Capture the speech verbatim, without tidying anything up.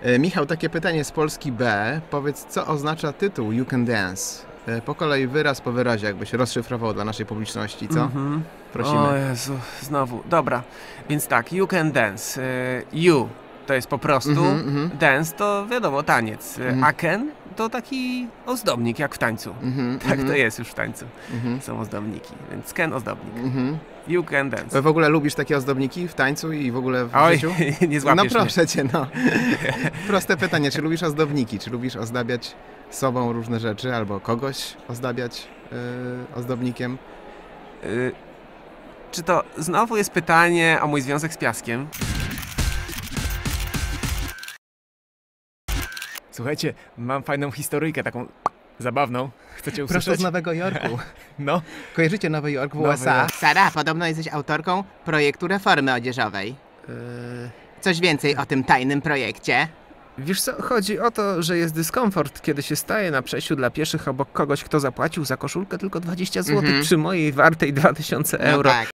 E, Michał, takie pytanie z Polski B. Powiedz, co oznacza tytuł You Can Dance? E, po kolei wyraz po wyrazie, jakbyś rozszyfrował dla naszej publiczności, co? Mm-hmm. Prosimy. O Jezu, znowu. Dobra, więc tak, You Can Dance. E, you to jest po prostu, Mm-hmm, mm-hmm. dance to wiadomo, taniec. Mm-hmm. A can to taki ozdobnik, jak w tańcu. Mm-hmm, Tak mm-hmm. to jest już w tańcu. Mm-hmm. Są ozdobniki, więc can ozdobnik. Mm-hmm. You Can Dance. W ogóle lubisz takie ozdobniki w tańcu i w ogóle w Oj, życiu? nie złapiesz No proszę mnie. cię, no. Proste pytanie, czy lubisz ozdobniki? Czy lubisz ozdabiać sobą różne rzeczy albo kogoś ozdabiać yy, ozdobnikiem? Y, czy to znowu jest pytanie o mój związek z piaskiem? Słuchajcie, mam fajną historyjkę, taką zabawną. Chcecie usłyszeć? Prosto z Nowego Jorku. No. Kojarzycie Nowy Jork w Nowy U S A? Jork. Sara, podobno jesteś autorką projektu reformy odzieżowej. Yy, Coś więcej o tym tajnym projekcie? Wiesz co, chodzi o to, że jest dyskomfort, kiedy się staje na przejściu dla pieszych obok kogoś, kto zapłacił za koszulkę tylko dwadzieścia złotych Mhm. przy mojej wartej dwa tysiące No euro. tak.